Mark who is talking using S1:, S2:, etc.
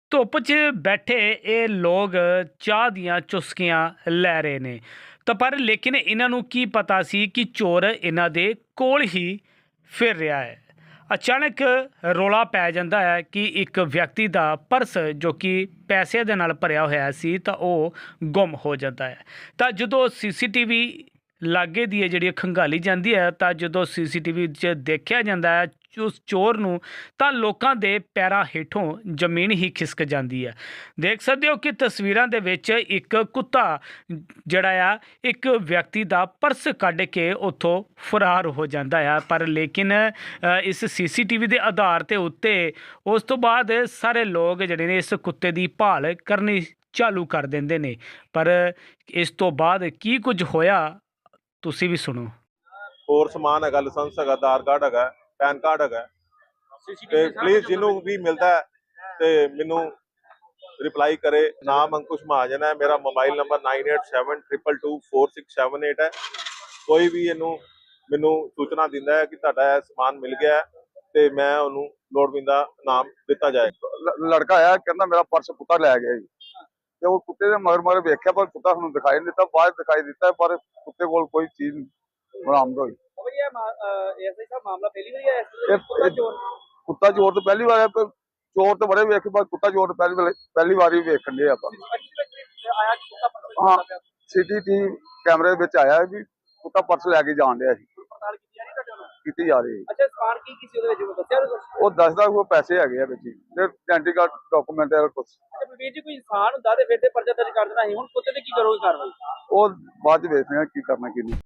S1: ਧੁੱਪ 'ਚ ਬੈਠੇ ਇਹ ਲੋਕ ਚਾਹ ਦੀਆਂ ਚੁਸਕੀਆਂ ਲੈ ਰਹੇ ਨੇ ਤਾਂ ਪਰ ਲੇਕਿਨ ਇਹਨਾਂ ਨੂੰ ਕੀ ਪਤਾ ਸੀ ਕਿ ਚੋਰ ਇਹਨਾਂ ਦੇ ਕੋਲ ਹੀ ਫਿਰ ਰਿਹਾ ਹੈ। ਅਚਾਨਕ ਰੌਲਾ ਪੈ ਜਾਂਦਾ ਹੈ ਕਿ ਇੱਕ ਵਿਅਕਤੀ ਦਾ ਪਰਸ ਜੋ ਕਿ ਪੈਸੇ ਦੇ ਨਾਲ ਭਰਿਆ ਹੋਇਆ ਸੀ ਤਾਂ ਉਹ ਗੁੰਮ ਹੋ ਜਾਂਦਾ ਹੈ। ਤਾਂ ਜਦੋਂ ਸੀਸੀਟੀਵੀ ਲਾਗੇ ਦੀ ਹੈ ਜਿਹੜੀ ਖੰਗਾਲੀ ਜਾਂਦੀ ਹੈ ਤਾਂ ਜਦੋਂ ਸੀਸੀਟੀਵੀ 'ਚ ਦੇਖਿਆ ਜਾਂਦਾ ਹੈ ਉਸ ਚੋਰ ਨੂੰ ਤਾਂ ਲੋਕਾਂ ਦੇ ਪੈਰਾਂ ਹੇਠੋਂ ਜ਼ਮੀਨ ਹੀ ਖਿਸਕ ਜਾਂਦੀ ਹੈ। ਦੇਖ ਸਕਦੇ ਹੋ ਕਿ ਤਸਵੀਰਾਂ ਦੇ ਵਿੱਚ ਇੱਕ ਕੁੱਤਾ ਜਿਹੜਾ ਆ ਇੱਕ ਵਿਅਕਤੀ ਦਾ ਪਰਸ ਕੱਢ ਕੇ ਉੱਥੋਂ ਫਰਾਰ ਹੋ ਜਾਂਦਾ ਆ। ਪਰ ਲੇਕਿਨ ਇਸ ਸੀਸੀਟੀਵੀ ਦੇ ਆਧਾਰ ਤੇ ਉੱਤੇ ਉਸ ਤੋਂ ਬਾਅਦ ਸਾਰੇ ਲੋਕ ਜਿਹੜੇ ਨੇ ਇਸ ਕੁੱਤੇ ਦੀ ਭਾਲ ਕਰਨੀ ਚਾਲੂ ਕਰ ਦਿੰਦੇ ਨੇ। ਪਰ ਇਸ ਤੋਂ ਬਾਅਦ ਕੀ ਕੁਝ ਹੋਇਆ ਤੁਸੀਂ ਵੀ ਸੁਣੋ।
S2: ਹੋਰ ਸਮਾਨ ਹੈਗਾ, ਲਾਇਸੈਂਸ ਹੈਗਾ, ਆਧਾਰ ਕਾਰਡ ਹੈਗਾ, ਪੈਨ ਕਾਰਡ ਹੈਗਾ। ਤੇ ਪਲੀਜ਼ ਜਿਹਨੂੰ ਵੀ ਮਿਲਦਾ ਹੈ ਤੇ ਮੈਨੂੰ ਰਿਪਲਾਈ ਕਰੇ। ਨਾਮ ਅੰਕੁਸ਼ ਮਹਾਜਨ ਹੈ, ਮੇਰਾ ਮੋਬਾਈਲ ਨੰਬਰ 9872224678 ਹੈ। ਕੋਈ ਵੀ ਇਹਨੂੰ ਮੈਨੂੰ ਸੂਚਨਾ ਦਿੰਦਾ ਹੈ ਕਿ ਤੁਹਾਡਾ ਇਹ ਸਮਾਨ ਮਿਲ ਗਿਆ ਤੇ ਮੈਂ ਉਹਨੂੰ ਲੋੜਵੰਦਾ ਨਾਮ ਦਿੱਤਾ ਜਾਏ।
S3: ਲੜਕਾ ਆਇਆ ਕਹਿੰਦਾ ਮੇਰਾ ਪਰਸ ਕੁੱਤਾ ਲੈ ਗਿਆ ਜੀ। ਤੇ ਉਹ ਕੁੱਤੇ ਦੇ ਮਗਰ ਵੇਖਿਆ ਪਰ ਕੁੱਤਾ ਸਾਨੂੰ ਦਿਖਾਈ ਨਹੀਂ ਦਿੱਤਾ, ਬਾਅਦ ਦਿਖਾਈ ਦਿੱਤਾ ਪਰ ਕੁੱਤੇ ਕੋਲ ਕੋਈ ਚੀਜ਼ ਬਰਾਮਦ ਹੋਈ। ਕੁੱਤਾ ਚੋਰ ਤੋਂ ਪਹਿਲੀ ਵਾਰ ਹੈ, ਚੋਰ ਤੋਂ ਬੜੇ ਵੇਖੇ ਪਰ ਕੁੱਤਾ ਚੋਰ ਪਹਿਲੀ ਵਾਰੀ ਵੇਖਣ ਦੇ ਆਪਾਂ। ਹਾਂ, ਸੀਸੀਟੀਵੀ ਕੈਮਰੇ ਵਿੱਚ ਆਇਆ ਵੀ ਕੁੱਤਾ ਪਰਸ ਲੈ ਕੇ ਜਾਣ ਡਿਆ ਸੀ, ਕੀਤੀ ਜਾ ਰਹੀ ਹੈ।
S4: ਅੱਛਾ, ਸਮਾਨ ਕੀ ਸੀ ਉਹਦੇ ਵਿੱਚ ਦੱਸਿਆ ਕੁਝ?
S3: ਉਹ ਦੱਸਦਾ ਉਹ ਪੈਸੇ ਹੈਗੇ ਆ ਵਿੱਚ ਹੀ ਤੇ ਆਇਡੈਂਟੀ ਕਾਰਡ ਡਾਕੂਮੈਂਟ ਹੈ ਕੁਛ।
S4: ਅੱਛਾ ਵੀਰ ਜੀ, ਕੋਈ ਇਨਸਾਨ ਹੁੰਦਾ ਤੇ ਫਿਰ ਤੇ ਪਰਚਾ ਦਰਜ ਕਰ ਦੇਣਾ ਸੀ, ਹੁਣ ਕੁੱਤੇ ਤੇ ਕੀ ਕਰੋਗੇ ਕਾਰਵਾਈ?
S3: ਉਹ ਬਾਅਦ ਚ ਵੇਖਦੇ ਆ ਕੀ ਕਰਨਾ ਕੀ ਨਹੀਂ।